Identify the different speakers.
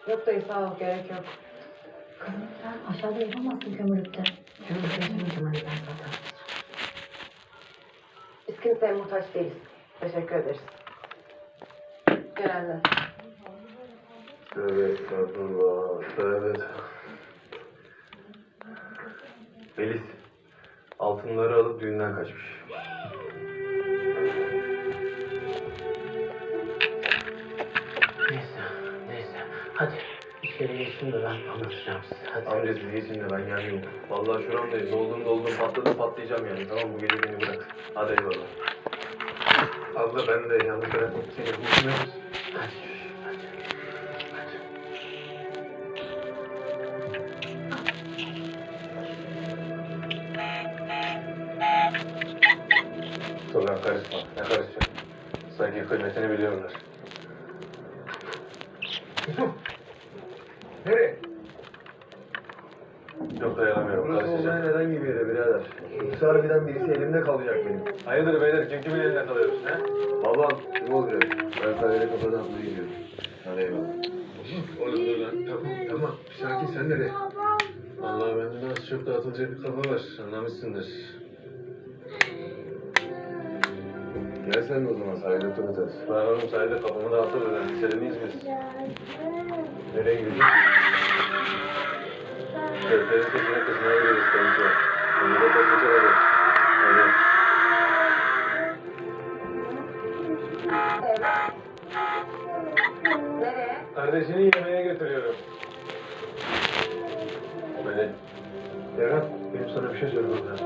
Speaker 1: Yok dayı sağ ol, gerek yok.
Speaker 2: Kızım sen aşağıda yapamazsın kömürlükte.
Speaker 1: Kömürlükte yapamam ben zaten. Biz kimseye muhtaç değiliz. Teşekkür ederiz. Genelde.
Speaker 3: Evet, estağfurullah. Evet. Melis, altınları alıp düğünden kaçmış.
Speaker 4: Neyse. Hadi içeri geçin de ben anlatacağım size. Hadi.
Speaker 3: Amca siz geçin de ben gelmeyeyim. Vallahi şuramdayız. Doldum patladım patlayacağım yani. Tamam bu gece beni bırak. Hadi eyvallah. Abla ben de yalnız bırakmak seni. Buluşmuyoruz.
Speaker 4: Hadi.
Speaker 3: Sonra karışma. Ne karışacak? Sanki kıymetini biliyorlar. Yusuf! Nereye? Yok dayanamıyorum. Burası olmayan herhangi bir yere birader. Yoksa harbiden birisi elimde kalacak benim. Hayırdır beyler? Kim kimin elinde kalıyoruz? He? Babam. Kim olacak? Ben sadece kafadan atmaya gidiyorum. Hadi eyvallah. Oğlum dur lan. Tamam. Bir sakin sen nereye? Vallahi bende de az çok dağıtılacak bir kafa var. Anlamışsındır. Gel sen de o zaman sahilde tur atarız. Ben oğlum sahilde kafamı dağıtırız yani. Lisede biz? Nereye gidiyorsun? Körfez'in sesine kızmaya gidiyoruz kanka. Onu da taşıyacak hadi. Hadi.
Speaker 1: Evet. Nereye?
Speaker 3: Kardeşini yemeğe götürüyorum. Böyle. Ferhat, benim sana bir şey söylemem lazım.